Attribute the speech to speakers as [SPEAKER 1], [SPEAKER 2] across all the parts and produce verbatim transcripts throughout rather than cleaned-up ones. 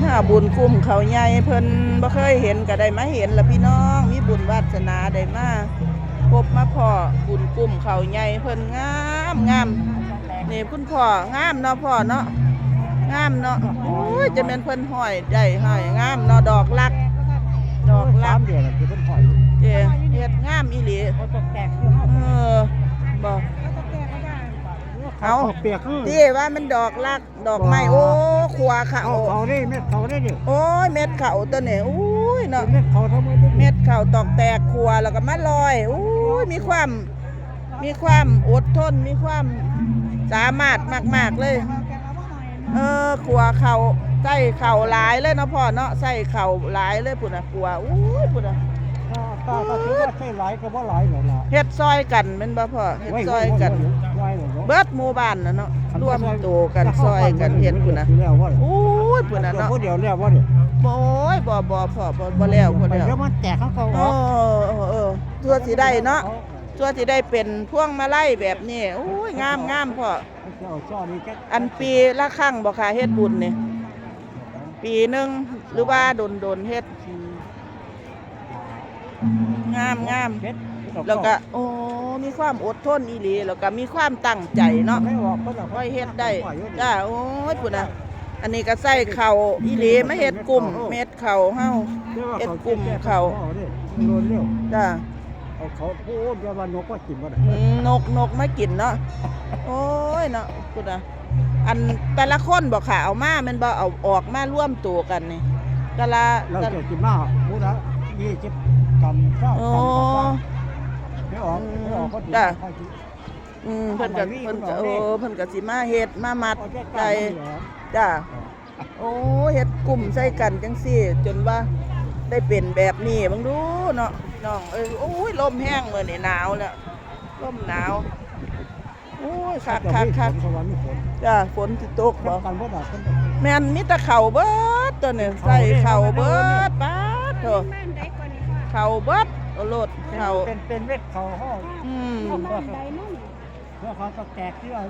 [SPEAKER 1] ถ้าบุญคุ้มเขาใหญ่เพิ่นบ่เคยเห็นก็ได้มาเห็นละพี่น้องมีบุญวาสนาได้มาพบมาพ่อบุญคุ้มเขาใหญ่เพิ่นงามงามนี่คุณพ่องามเนาะพ่อเนาะงามเนาะโอ้ยจะเป็นเพิ่นห้อยได้ห้อยงามเนาะดอกลักดอกลัก
[SPEAKER 2] เดียวคือเพิ่นห้อย
[SPEAKER 1] เด้เฮ็ดงามอีหลีเออบ่เอา
[SPEAKER 2] เปียกคือ
[SPEAKER 1] ที่ว่ามันดอกลักดอกไม้โอ้ขัวเขา
[SPEAKER 2] เขาได้เม็ดเขาได้ดิ
[SPEAKER 1] โอ้ยเม็ดเขาตัวนี้โอ้ยเนาะ
[SPEAKER 2] เม็ดเขาทำไม
[SPEAKER 1] เม็ดเขาตอกแตกขัวแล้วก็มาลอยโอ้ยมีความมีความอดทนมีความสามารถมากๆเลยเออขัวเขาใส่เข่าหลายเลยเนาะพ่อเนาะใส่เข่าหลายเลยพุ่นน่ะขัวโอ้ยพุ่นน่ะ
[SPEAKER 2] ถ้าถ้าถือว่าใช่หลายก็บ่หลายหรอกล่ะ
[SPEAKER 1] เฮ็ดซอยกันแม่นบ่พ่อเฮ็ดซอยกันเบิดหมู่บ้านน่ะเนาะร่วมตัวกันซอยกันเฮ็ดพุ่นน่ะโอ้ยพุ่นน่ะเนาะ
[SPEAKER 2] บ่เดียวแล้วบ่เนี่ย
[SPEAKER 1] โอ้ยบ่บ่พ่อบ่บ่แล้วบ่แล้ว
[SPEAKER 2] เดี๋ยวมันแตกเขาเขา
[SPEAKER 1] เออเออตัวสิได้เนาะตัวสิได้เป็นพวงมาลัยแบบนี้โอ้ยงามงามพ่ออันปีละครั้งบ่ค่ะเฮ็ดบุญนี่ปีนึงหรือว่าโดนๆเฮ็ดงามงามแล้วก็โอ้มีความอดทนอีหลีแล้วก็มีความตั้งใจเนาะค่อยเฮ็ดได้จ้าโอ้ยพุ่นน่ะอันนี้ก็ใส่เข่าอีหลีมาเฮ็ดกลุ่มเม็ดเข่าเฮาเฮ็ดกลุ่มเข่าจ้า
[SPEAKER 2] เอาเขาโอ้ยว่านกก็กินบ่ได้
[SPEAKER 1] นกนกมากินเนาะโอ้ยเนาะพุ่นน่ะอันแต่ละคนบ่ค่ะเอามาแม่นบ่เอาออกมาร่วมตัวกันนี่แต่ละ
[SPEAKER 2] เราจะกินมาพูดละยี่สิบกรัมเก้ากรัมไม่ออกไม่ออกก็จ้ะ
[SPEAKER 1] อืมเพิ่นก็เพิ่นก็โอ้เพิ่นก็สิมาเฮ็ดมามัดใจจ้ะโอ้เฮ็ดกลุ่มใส่กันจังซี่จนว่าได้เป็นแบบนี้บังดูเนาะน้องเอ้ยโอ้ยลมแห้งมื้อนี้หนาวแล้วลมหนาวโอ้ยคักคักคักจ้ะฝนสิตกบ่แม่นมีแต่เข่าเบิดตัวนี้ใส่เข่าเบิดป๊าดโธ่เข่าเบิดโอโลดเข่า
[SPEAKER 2] เป็นเป็นเม็ดเข่าห้อ
[SPEAKER 1] อืม
[SPEAKER 2] เพื่อเขาตกแตกที่ว่า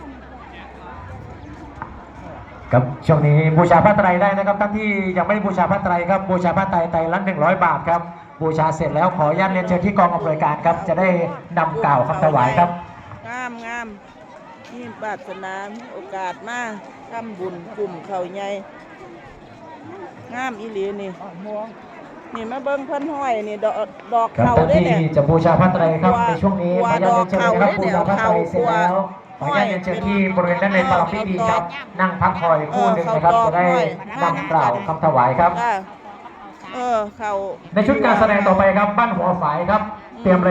[SPEAKER 3] ครับช่วงนี้บูชาพระไตรได้นะครับท่านที่ยังไม่บูชาพระไตรครับบูชาพระไตรไตรละหนึ่งร้อยบาทครับบูชาเสร็จแล้วขออนุญาตเรียนเชิญที่กองอำนวยการครับจะได้นำกล่าวคำถวายครับ
[SPEAKER 1] งามงามนี่บาสนาโอกาสมาทำบุญกลุ่มเขาใหญ่งามอีหลีนี่นี่มาเบิ้งเพิ่นห้อยนี่ดอกดอกเขาได้เนี่ย
[SPEAKER 3] จะบูชาพระไตรครับในช่วงนี้ขออนุญาตเรียนเชิญนะครับบูชาพระไตรเสร็จแล้วขออนุญาตเรียนเชิญที่บริเวณด้านในปรพิธีครับนั่งพักคอยคู่หนึ่งนะครับจะได้นำกล่าวคำถวายครับ
[SPEAKER 1] เออเขา
[SPEAKER 3] ในชุดการแสดงต่อไปครับบ้านหัวฝายครับเตรียม